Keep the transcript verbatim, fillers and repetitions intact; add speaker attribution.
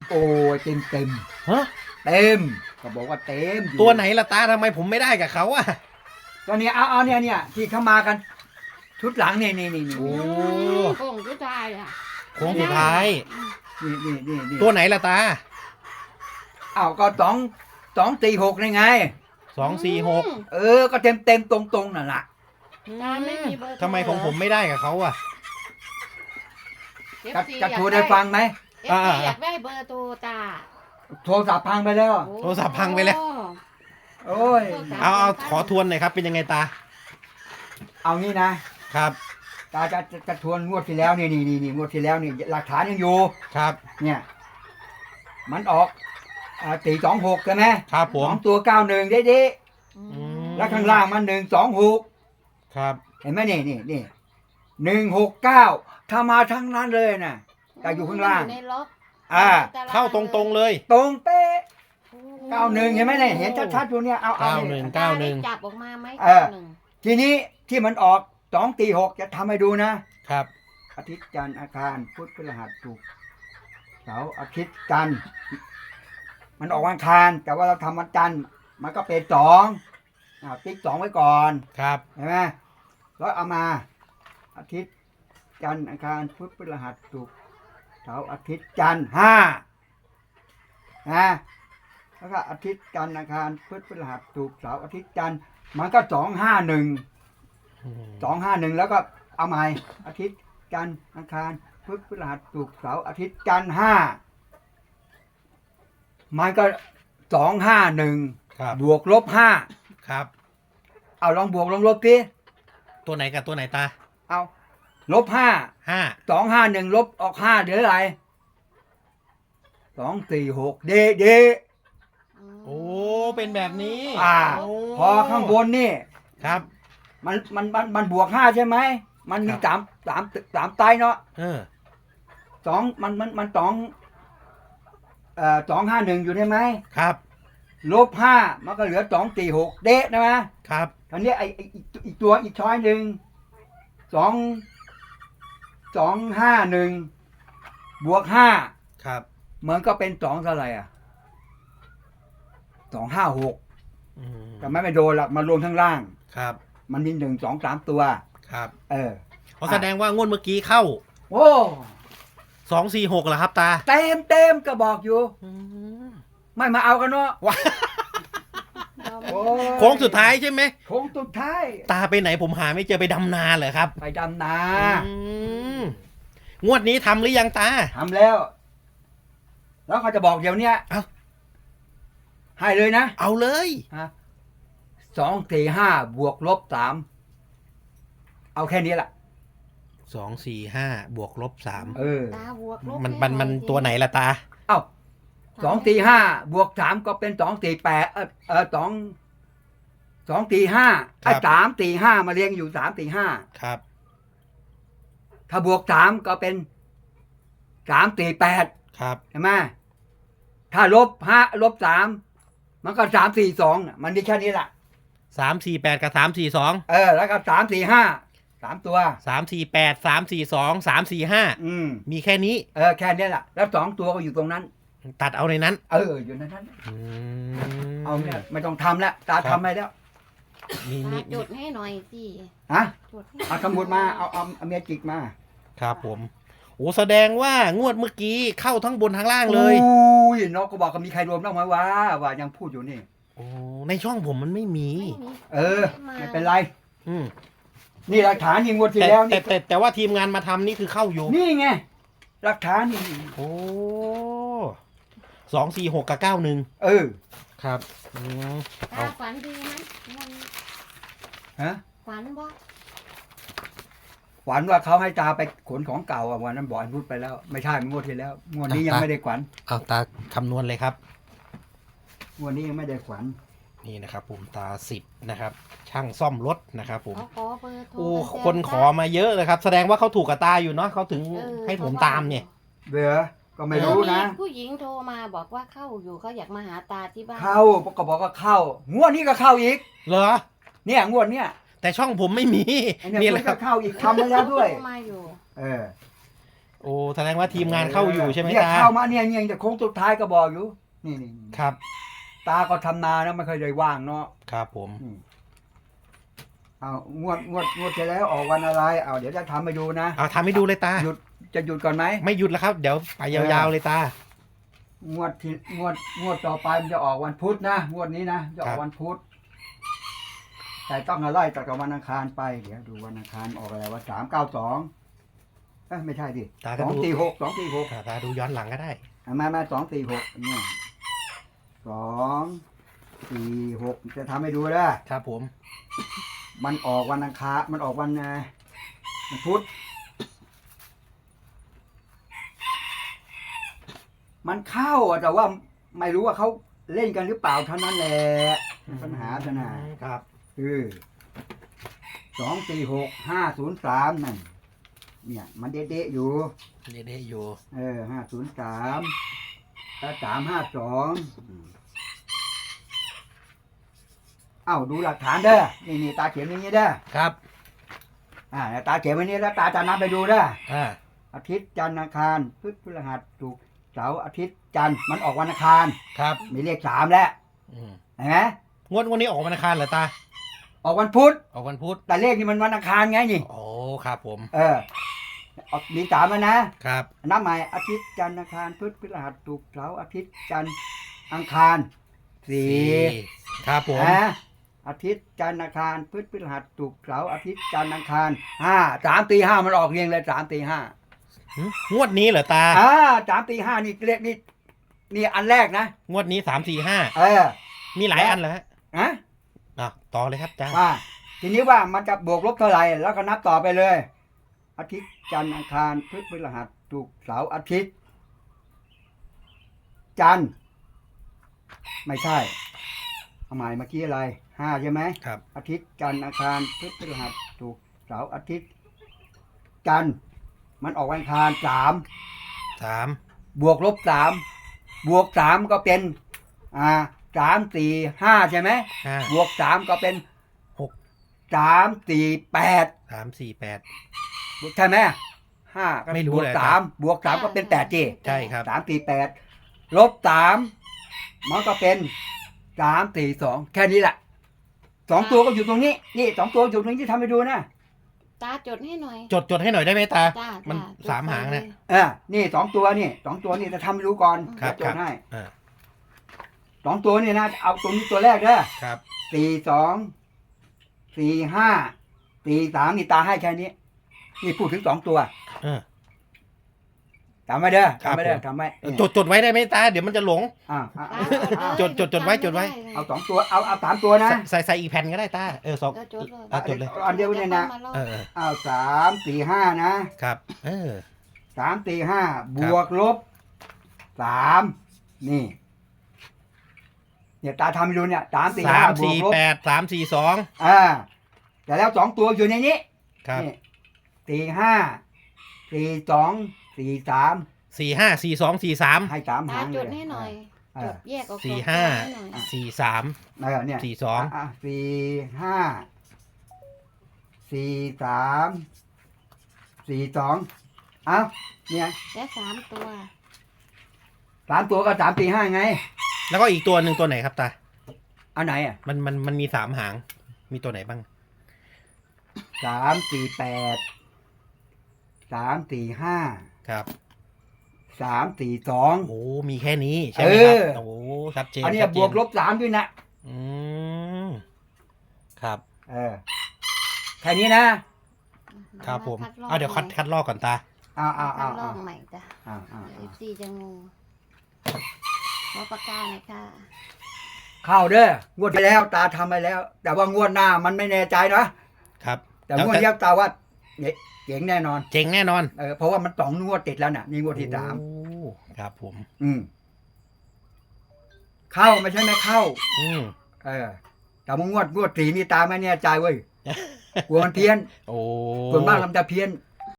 Speaker 1: โอ้ยเต็มเต็ม
Speaker 2: ฮะ
Speaker 1: เต็มก็บอกว่าเต็มอยู่
Speaker 2: ตัวไหนล่ะตาทำไมผมไม่ได้กับเขาอะ
Speaker 1: ตัวเนี้ยเอาเอาเนี่ยเนี่ยที่เข้ามากัน ชุดหลังนี่นี่นี่นี่
Speaker 2: โอ้
Speaker 3: โค้งสุดท้ายอ่ะ
Speaker 2: โค้งสุดท้าย
Speaker 1: นี่นี่นี่นี่
Speaker 2: ตัวไหนล่ะตา
Speaker 1: เอาก็สองสองตีหกนี่ไง
Speaker 2: สองสี่หก
Speaker 1: เออ ก็เต็มเต็มตรงตรงๆนั่นแหละ
Speaker 3: ตาไม่มีเบอร์โทร
Speaker 2: ทำไมของผมไม่ได้กับเขาอะ
Speaker 1: จะจะโทรได้ฟังไหม
Speaker 3: เอฟซีอยากได้เบอร์โทรตา
Speaker 1: โทรศัพท์พังไปแล้ว
Speaker 2: โทรศัพท์พังไปแล้ว
Speaker 1: โอ้ย
Speaker 2: เอาเอาขอทวนหน่อยครับเป็นยังไงตา
Speaker 1: เอางี้นะครับ ตาจะจะจะทวนงวดที่แล้วนี่นี่นี่นี่งวดที่แล้วนี่หลักฐานยังอยู่
Speaker 2: ครับ
Speaker 1: เนี่ย มันออกอ่าตีสองหกใช่ไหม
Speaker 2: ครับผ
Speaker 1: ส
Speaker 2: ม
Speaker 1: องตัวเก้าหนึ่งได้ดี
Speaker 3: อืม
Speaker 2: ม
Speaker 1: แล้วข้างล่างมันหนึ่งสองหก
Speaker 2: ครับ
Speaker 1: เห็นไหมนี่นี่นี่หนึ่งหกเก้าถ้ามาทั้งนั้นเลยนะแต่อยู่ข้างล่าง
Speaker 3: ในล็อก
Speaker 1: อ่า
Speaker 2: เข้าตรงๆเลย
Speaker 1: ตรงเป๊ะเก้าหนึ่งเห็นไหมเนี่ยเห็นชัดๆอยู่เนี่ยเอาเอา
Speaker 2: เก้าหนึ่ง เก้าหนึ่ง
Speaker 3: ตได้จับออกมาไหม
Speaker 1: เออ
Speaker 3: เก้าหนึ่ง
Speaker 1: ทีนี้ที่มันออกสองตีหกจะทำให้ดูนะครับ อาทิตย์จันทร์อาคารพุธพฤหัสศุกร์เสาร์อาทิตย์จันทร์มันออกวันอังคารแต่ว่าเราทำวันจันทร์มันก็เป็นสองอ่าติ๊กสองไว้ก่อน
Speaker 2: ครับ
Speaker 1: เห็นไหมแล้วเอามาอาทิตย์จันทร์อังคารพุธพฤหัสศุกร์เสาร์อาทิตย์จันทร์ห้านะแล้วก็อาทิตย์จันทร์อังคารพุธพฤหัสศุกร์เสาร์อาทิตย์จันทร์มันก็สองห้าหนึ่งสองห้าหนึ่งแล้วก็เอาใหม่อาทิตย์จันทร์อังคารพุธพฤหัสศุกร์เสาร์อาทิตย์จันทร์ห้ามันก็สองห้าหนึ่ง
Speaker 2: ครับ
Speaker 1: บวกลบห้า
Speaker 2: ครับ
Speaker 1: เอาลองบวกลองลบดิ
Speaker 2: ตัวไหนกับตัวไหนตา
Speaker 1: เอาลบห้า
Speaker 2: ห้า
Speaker 1: สองห้าหนึ่งลบออกห้าเหลืออะไรสองสี่หกเดเด
Speaker 2: โอ้เป็นแบบนี้
Speaker 1: อ่า
Speaker 2: โ
Speaker 1: พอข้างบนนี่
Speaker 2: ครับ
Speaker 1: มันมันมันมันบวกห้าใช่ไหมมันมี
Speaker 2: ครับ
Speaker 1: สามสามสามไตเนาะ
Speaker 2: เออ
Speaker 1: สองมันมันมันสองเอ่อสองห้าหนึ่งอยู่ใช่ไหม
Speaker 2: ครับ
Speaker 1: ลบห้ามันก็เหลือสองสี่หกเดะนะมะ
Speaker 2: ครับ
Speaker 1: ตอนนี้ไอไอ้อีกอีกตัวอีกช้อยหนึ่งสองสองห้าหนึ่งบวกห้า
Speaker 2: ครับ
Speaker 1: มันก็เป็นสองเท่าไหร่อ่ะสองห้าหก
Speaker 2: อืม
Speaker 1: แต่ไม่ไม่โดนหรอกมารวมข้างล่าง
Speaker 2: ครับ
Speaker 1: มันมีหนึ่งสองสามตัว
Speaker 2: ครับ
Speaker 1: เออ
Speaker 2: เพราะแสดงว่างวดเมื่อกี้เข้า
Speaker 1: โอ้
Speaker 2: สองสี่หกเหรอครับตา
Speaker 1: เต็มเต็มก็บอกอยู่
Speaker 2: อืม
Speaker 1: ไม่มาเอากันเนาะ
Speaker 2: ว้า
Speaker 3: เราไม่
Speaker 1: โอ้ย
Speaker 2: โค้งสุดท้ายใช่ไหม
Speaker 1: โค้งสุดท้าย
Speaker 2: ตาไปไหนผมหาไม่เจอไปดำนาเหรอครับ
Speaker 1: ไปดำนา
Speaker 2: อืมงวดนี้ทำหรือยังตา
Speaker 1: ทำแล้ว แล้วเขาจะบอกเดี๋ยวเนี้ย
Speaker 2: เอ้า
Speaker 1: ให้เลยนะ
Speaker 2: เอาเลย
Speaker 1: สองสี่ห้าบวกลบสามเอาแค่นี้แหละ
Speaker 2: สองสี่ห้าบวกลบสาม
Speaker 1: เออ
Speaker 3: ตาบวกลบ
Speaker 2: มันมันมันตัวไหนล่ะตา
Speaker 1: เอ้าสองสี่ห้าบวกสามก็เป็นสองสี่แปดเออเออสองสองสี่ห้า
Speaker 2: ครั
Speaker 1: ไอ้
Speaker 2: บ
Speaker 1: สามสี่ห้ามาเรียงอยู่สามสี่ห้า
Speaker 2: ครับ
Speaker 1: ถ้าบวกสามก็เป็นสามสี่แปด
Speaker 2: ครับ
Speaker 1: ใช่ไหมถ้าลบห้าลบสามมันก็สามสี่สองมันมีแค่นี้แหละ
Speaker 2: สามสี่แปดกับสามสี่สอง
Speaker 1: เออ แล้วก็สามสี่ห้าสามตัว
Speaker 2: สามสี่แปดสามสี่สองสามสี่ห้า
Speaker 1: อืม
Speaker 2: มีแค่นี้
Speaker 1: เออแค่นี้แหละแล้วสองตัวก็อยู่ตรงนั้น
Speaker 2: ตัดเอาในนั้น
Speaker 1: เออ อยู่ในนั้น
Speaker 2: อืม
Speaker 1: เอาเนี่ยไม่ต้องทำแล้วตา
Speaker 2: ครับ
Speaker 1: ทำให้แล้ว
Speaker 2: มี
Speaker 3: ตา
Speaker 2: มี
Speaker 3: จดให้หน่อยสิ
Speaker 1: ฮะ
Speaker 3: จดให้
Speaker 1: เอาสมุดมาเอาเอาเอาเมียจิกมา
Speaker 2: ครับผมโอ้แสดงว่างวดเมื่อกี้เข้าทั้งบนทั้งล่างเลย
Speaker 1: อุ้ยนกก็บอกก็มีใครรวมบ้างไหมวะว่ายังพูดอยู่นี่
Speaker 2: โอ้ในช่องผมมันไม่มี
Speaker 3: ไม่มี
Speaker 1: เออ ไม่เป็นไร
Speaker 2: อืม
Speaker 1: นี่หลักฐานยิงวดที่
Speaker 2: แต่
Speaker 1: แล้ว
Speaker 2: แต่
Speaker 1: นี่
Speaker 2: แต่แต่ว่าทีมงานมาทำนี่คือเข้าอยู่
Speaker 1: นี่ไงหลักฐานนี่
Speaker 2: โอ้สองสี่หกกับเก้าหนึ่ง
Speaker 1: เออ
Speaker 2: ครับอืม
Speaker 3: ตาฝันดีไหมมัน
Speaker 1: ฮะ
Speaker 3: ฝันบ่
Speaker 1: ฝันว่าเขาให้ตาไปขนของเก่าอ่ะวันนั้นบอกให้พูดไปแล้ว ไม่ใช่งวดที่แล้วงวดนี้ยังไม่ได้ขวัญ
Speaker 2: เอาตาคำนวณเลยครับ
Speaker 1: งวดนี้ยังไม่ได้ขวัญ
Speaker 2: นี่นะครับผมตาสิบนะครับ ช่างซ่อมรถนะครับผม
Speaker 3: เขาขอเบอร์โทร
Speaker 2: โอ้
Speaker 3: กัน
Speaker 2: คนขอมาเยอะเลยครับ แสดงว่าเขาถูกกับตาอยู่เนาะเขาถึง
Speaker 3: เออ
Speaker 2: ให้ผมตามเนี่ย
Speaker 1: เบื่อก็ไม่รู้นะ
Speaker 3: มีผู้หญิงโทรมาบอกว่าเข้าอยู่เขาอยากมาหาตาที่บ้าน
Speaker 1: เข้าก็บอกว่าเข้างวดนี้ก็เข้าอีก
Speaker 2: เหรอ
Speaker 1: เนี่ยงวดเนี้ย
Speaker 2: แต่ช่องผมไม่มี
Speaker 1: ไอ้เนี่ย
Speaker 2: นี่
Speaker 1: มั
Speaker 2: แหละ
Speaker 1: น
Speaker 2: ค
Speaker 1: ก็
Speaker 2: รับ
Speaker 1: เข้าอีกทำมาแล้วด้วย
Speaker 3: โทรมาอยู่
Speaker 1: เออ
Speaker 2: โอ้แสดงว่าทีมงานเข้าอยู่ใช่ไหม
Speaker 1: เนี่ย
Speaker 2: ตา
Speaker 1: เข้ามาเนี่ยเนี่ยจะโค้งสุดท้ายก็บอกอยู่นี่นี่นี่
Speaker 2: ครับ
Speaker 1: ตาก็ทำนานะไม่เคยได้ว่างเนาะ
Speaker 2: ครับผม
Speaker 1: อืมเอางวดงวดงวดที่แล้วออกวันอะไรเอาเดี๋ยวจะทำให้ดูนะ
Speaker 2: เอาทำให้ดูเลยตา
Speaker 1: หยุดจะหยุดก่อนไหม
Speaker 2: ไม่หยุดแล้วครับ เดี๋ยวไปยาวๆเลยตา
Speaker 1: งวดที่งวดงวดต่อไปมันจะออกวันพุธนะงวดนี้นะจะอ
Speaker 2: ครั
Speaker 1: อก
Speaker 2: บ
Speaker 1: วันพุธแต่ต้องเอาไล่จากวันอังคารไปเดี๋ยวดูวันอังคารออกอะไรว่าสามเก้าสองเอ้ยไม่ใช่ดิ
Speaker 2: ตา
Speaker 1: ส
Speaker 2: ก็
Speaker 1: อง
Speaker 2: ดู
Speaker 1: สี่หกสองสี่หก
Speaker 2: อ่าตาดูย้อนหลังก็ได้
Speaker 1: มามาสองสี่หกเนี่ยสองสี่หกจะทำให้ดูนะครับ
Speaker 2: ผม
Speaker 1: มันออกวันอังคารมันออกวันอ่าวันพุธมันเข้าอะแต่ว่าไม่รู้ว่าเขาเล่นกันหรือเปล่าเท่านั้นแหละปัญหาขนาด
Speaker 2: ครับ
Speaker 1: คือสองสี่หกห้าศูนย์สามนั่นเนี่ยมันเด๊ะๆอยู่
Speaker 2: เด็ดๆอยู่
Speaker 1: เออห้าศูนย์สามถ้าสามห้าสองเอ้าดูหลักฐานเด้อนี่นี่ตาเขียนอย่างนี้เด้อ
Speaker 2: ครับ
Speaker 1: อ่าตาเขียนวันนี้แล้วตาจะนับไปดูเด้อ
Speaker 2: อ่า
Speaker 1: อาทิตย์จันทร์อังคารพุธพฤหัสศุกร์เสาร์อาทิตย์จันทร์มันออกวันอังคาร
Speaker 2: ครับ
Speaker 1: มีเลขสามแล้ว
Speaker 2: อืม
Speaker 1: เห็นไหม
Speaker 2: งวดวันนี้ออกวันอังคารเหรอตา
Speaker 1: ออกวันพุธ
Speaker 2: ออกวันพุธ
Speaker 1: แต่เลขนี่มันวันอังคารไงนี่
Speaker 2: โอ้ครับผม
Speaker 1: เออออกมีสามแล้วนะครับ นับใหม่อาทิตย์จันทร์อังคารพุธพฤหัสศุกร์เสาร์อาทิตย์จันทร์อังคารสี่
Speaker 2: ครับผม
Speaker 1: นะอาทิตย์จันทร์อังคารพุธพฤหัสศุกร์เสาร์อาทิตย์จันทร์อังคารห้าสามตีห้ามันออกเรียงเลยสามตีห้า
Speaker 2: หึงวดนี้เหรอตา
Speaker 1: อ่าสามตีห้านี่เลขนี่นี่อันแรกนะ
Speaker 2: งวดนี้สามสี่ห้า
Speaker 1: เออ
Speaker 2: มีหลายอันเหรอฮะ
Speaker 1: นะ
Speaker 2: อ่ะต่อเลยครับจ้า
Speaker 1: ว่าทีนี้ว่ามันจะบวกลบเท่าไหร่แล้วก็นับต่อไปเลย อาทิตย์จันทร์อังคารพุธพฤหัสศุกร์เสาร์อาทิตย์ จันทร์ไม่ใช่เอาหมายเมื่อกี้อะไรห้าใช่ไหม
Speaker 2: ครับ
Speaker 1: อาทิตย์จันทร์อังคารพุธพฤหัสศุกร์เสาร์อาทิตย์ จันทร์มันออกวันอังคารสาม
Speaker 2: สาม
Speaker 1: บวกลบสามบวกสามก็เป็นอ่าสามสี่ห้าใช่ไหม
Speaker 2: ห้า
Speaker 1: บวกสามก็เป็น
Speaker 2: หก
Speaker 1: สามสี่แปด
Speaker 2: สามสี่แปด
Speaker 1: ใช่ไหมห้าก็
Speaker 2: ไม่รู้
Speaker 1: บวก
Speaker 2: เลย
Speaker 1: สามบวกสามก็เป็นแปดจี
Speaker 2: ใช่ครับ
Speaker 1: สามสี่แปดลบสามมันก็เป็นสามสี่สองแค่นี้แหละสองตัวก็อยู่ตรงนี้ นี่สองตัวอยู่ตรงนี้ที่ทำให้ดูนะ
Speaker 3: ตาจดให้หน่อย
Speaker 2: จดจดให้หน่อยได้ไหมตา
Speaker 3: จ้า
Speaker 2: มัน
Speaker 3: จ้จด
Speaker 2: สามหางเนี่ย
Speaker 3: ไปล
Speaker 1: เออนี่สองตัวนี่สองตัวนี่จะทำให้รู้ก่อน
Speaker 2: ครับ
Speaker 1: จดให้
Speaker 2: อ่า
Speaker 1: สองตัวนี่นะเอาตรงนี้ตัวแรกเด้อ
Speaker 2: ครับ
Speaker 1: สี่สองสี่ห้าสี่สามนี่ตาให้แค่นี้ นี่พูดถึงสองตัว
Speaker 2: เออ
Speaker 1: จำไว้เด้อ
Speaker 2: ครับ
Speaker 1: จำไว้เด้อ
Speaker 2: ผม
Speaker 1: จำไว้
Speaker 2: จดจดไว้ได้ไหมตา เดี๋ยวมันจะหลง
Speaker 1: อ่าอ่า
Speaker 3: ตา
Speaker 1: อ่า
Speaker 3: จ
Speaker 2: จดจดจดไว้จดไว้
Speaker 1: เอาสองตัวเอาเอาสามตัวนะ
Speaker 2: ใส่ใส่อีกแผ่นก็ได้ตา เออสอง
Speaker 3: ก็จดเลย
Speaker 2: อ่ะจดเลย
Speaker 1: อันเดียวเนี่ยนะ
Speaker 2: เออเออ
Speaker 1: เอาสามสี่ห้านะครับ
Speaker 2: เออ
Speaker 1: สามสี่ห้าบวกลบสามนี่เนี่ยตาทำให้ดูเนี่ยสามสี่
Speaker 2: สา
Speaker 1: ห้าม บว
Speaker 2: สี่
Speaker 1: กลบ
Speaker 2: แปดสามสี่สอง
Speaker 1: อ่าแต่แล้วสองตัวอยู่ในนี้
Speaker 2: ครับ
Speaker 1: นี่สี่ห้าสี่สองสี่สาม
Speaker 2: สี่ห้าสี่สองสี่สาม
Speaker 1: ให้สาม
Speaker 3: ตา
Speaker 1: หาง
Speaker 3: จ
Speaker 1: เลย
Speaker 3: ดให้หน่อย
Speaker 1: เอ
Speaker 3: จ
Speaker 1: อ
Speaker 3: ดแยกออก
Speaker 2: สี่
Speaker 3: สอง
Speaker 2: ห้า
Speaker 3: ตัวให้หน่อย
Speaker 2: สี่สาม
Speaker 1: เออเนี่ย
Speaker 2: สี่สอง
Speaker 1: อ่ะสี่ห้าสี่สามสี่สองเอ้าเนี่ย
Speaker 3: และสามตัว
Speaker 1: สามตัวก็สามสี่ห้าไง
Speaker 2: แล้วก็อีกตัวหนึ่งตัวไหนครับตา
Speaker 1: อันไหนอ่ะ
Speaker 2: มันมันมันมีสามหาง มีตัวไหนบ้าง
Speaker 1: สามสี่แปดสามสี่ห้า
Speaker 2: ครับ
Speaker 1: สามสี่สอง
Speaker 2: โอ้ มีแค่นี้ใช่ไหมครับ
Speaker 1: เออ
Speaker 2: โอ้ชัดเจน
Speaker 1: อันเนี้ย
Speaker 2: ชัดเจ
Speaker 1: บวกลบสามด้วยนะ
Speaker 2: อืมครับ
Speaker 1: เออแค่นี้นะครับ
Speaker 2: ผม
Speaker 3: คัดลอก
Speaker 2: เอาเดี๋ยวคัด
Speaker 3: ใหม่
Speaker 2: คัดลอกก่อนตา
Speaker 1: อ้าวอ้าว
Speaker 3: คั
Speaker 1: อ้า
Speaker 3: ด
Speaker 1: ว
Speaker 3: ลอ
Speaker 1: อ้าว
Speaker 3: กใหม่จ้ะ
Speaker 1: อ้าวอ้าว
Speaker 3: เอฟซีจะงงขอปากกาหน่อยค่ะ
Speaker 1: เข้าเด้องวดที่แล้วตาทำไปแล้ว แต่ว่างวดหน้ามันไม่แน่ใจนะครับ แต่งวดนี้ตาว่าเจ๋งแน่นอน
Speaker 2: เจ๋งแน่นอน
Speaker 1: เออเพราะว่ามันสองงวดติดแล้วน่ะนี่งวดที่สาม
Speaker 2: โอ้ครับผม
Speaker 1: อืมเข้าไม่ใช่ไม่เข้า
Speaker 2: อืม
Speaker 1: เออ แต่ว่างวดงวดสีนี่ตาไม่แน่ใจเว้ยกลัวมันเพี้ยน
Speaker 2: โอ้
Speaker 1: ส่วนมากมันจะเพี้ยน